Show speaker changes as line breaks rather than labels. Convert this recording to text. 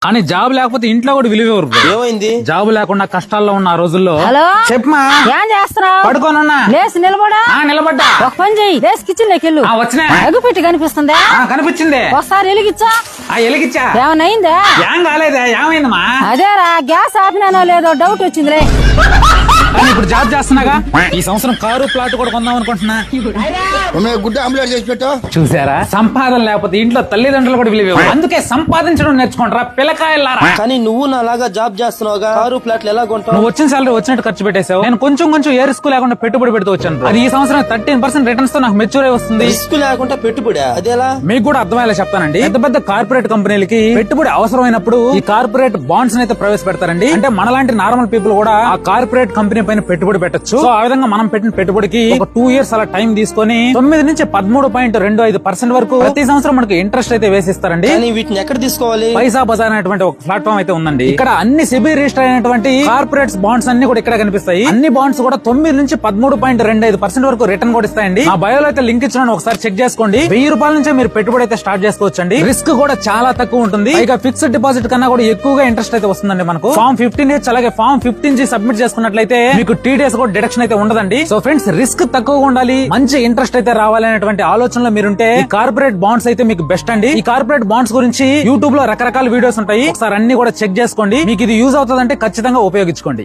కానీ జాబ్ లేకపోతే ఇంట్లో కూడా విలువ ఇవ్వరు బ్రో.
ఏమైంది?
జాబ్ లేకుండా కష్టాల్లో ఉన్న ఆ రోజుల్లో.
హలో
చెప్పమా,
ఏం చేస్తున్నావు?
పడుకోనున్నా.
లేసి నిలబడా.
నిలబడ్డా.
ఒక పని చెయ్యి, లేసి కిచెన్ లోకి వెళ్ళు.
వచ్చినా
అగ్గిపెట్టి కనిపిస్తుందా?
కనిపించింది.
ఒకసారి వెలిగించా.
ఎలిగిచ్చా.
ఏమన్నా అయిందా?
ఏం కాలేదా? ఏమైందమ్మా?
అదేరా, గ్యాస్ ఆపినానో లేదో డౌట్ వచ్చిందిలే.
కానీ ఇప్పుడు జాబ్ చేస్తున్నాగా. ఈ సంవత్సరం కారు ప్లాట్ కూడా కొందాం అనుకుంటున్నా.
గుడ్డ ఆమ్లెట్ చేసి పెట్టు.
చూసారా, సంపాదన లేకపోతే ఇంట్లో తల్లిదండ్రులు కూడా విలువ ఇవ్వరు. అందుకే సంపాదించడం నేర్చుకుంటారా పిల్లకాయలారా.
కానీ నువ్వు నాలాగా జాబ్ చేస్తున్నావుగా, కారు ప్లాట్లు ఎలా కొంటావు?
నువ్వు వచ్చిన సాలరీ వచ్చినట్టు ఖర్చు పెట్టేశావు. నేను కొంచెం ఏ రిస్క్ లేకుండా పెట్టుబడి పెడుతూ వచ్చాను. అది ఈ సంవత్సరం 13% రిటర్న్స్ తో నాకు మెచ్యూర్ అయి వస్తుంది.
రిస్క్ లేకుండా పెట్టుబడి అదేలా?
మీకు కూడా అర్థమయ్యేలా చెప్తానండి. పెద్ద పెద్ద కార్పొరేట్ కంపెనీలకి పెట్టుబడి అవసరమైనప్పుడు ఈ కార్పొరేట్ బాండ్స్ అయితే ప్రవేశపెడతారండి. అంటే మనలాంటి నార్మల్ పీపుల్ కూడా ఆ కార్పొరేట్ కంపెనీ పైన పెట్టుబడి పెట్టొచ్చు. సో ఆ విధంగా మనం పెట్టిన పెట్టుబడికి ఒక 2 years అలా టైం తీసుకొని 9 నుంచి 13.25% వరకు ప్రతి సంవత్సరం మనకి ఇంట్రెస్ట్ అయితే వేసిస్తారండి.
కానీ వీటిని ఎక్కడ తీసుకోవాలి?
పైసా బజార్ అనేటువంటి ఒక ప్లాట్ఫామ్ అయితే ఉందండి. ఇక్కడ అన్ని సెబీ రిజిస్టర్ అయినటువంటి కార్పొరేట్స్ బాండ్స్ అన్ని కూడా ఇక్కడ కనిపిస్తాయి. అన్ని బాండ్స్ కూడా 9 నుంచి 13.25% వరకు రిటర్న్ కూడా ఇస్తాయండి. నా బయోలో అయితే లింక్ ఇచ్చిన ఒకసారి చెక్ చేసుకోండి. 1000 రూపాయల నుంచే మీరు పెట్టుబడి అయితే స్టార్ట్ చేసుకోవచ్చండి. రిస్క్ కూడా చాలా తక్కువ ఉంటుంది. ఇక ఫిక్స్డ్ డిపాజిట్ కన్నా కూడా ఎక్కువగా ఇంట్రెస్ట్ అయితే వస్తుందండి మనకు. ఫామ్ 15H అలాగే ఫామ్ 15G సబ్మిట్ చేసుకున్నట్లయితే మీకు TDS కూడా డిడక్షన్ అయితే ఉండదండి. సో ఫ్రెండ్స్, రిస్క్ తక్కువగా ఉండాలి, మంచి ఇంట్రెస్ట్ అయితే రావాలి అనేటువంటి ఆలోచనలో మీరుంటే ఈ కార్పొరేట్ బాండ్స్ అయితే మీకు బెస్ట్ అండి. ఈ కార్పొరేట్ బాండ్స్ గురించి యూట్యూబ్ లో రకరకాల వీడియోస్ ఉంటాయి. ఒకసారి అన్ని కూడా చెక్ చేసుకోండి. మీకు ఇది యూజ్ అవుతుందంటే ఖచ్చితంగా ఉపయోగించుకోండి.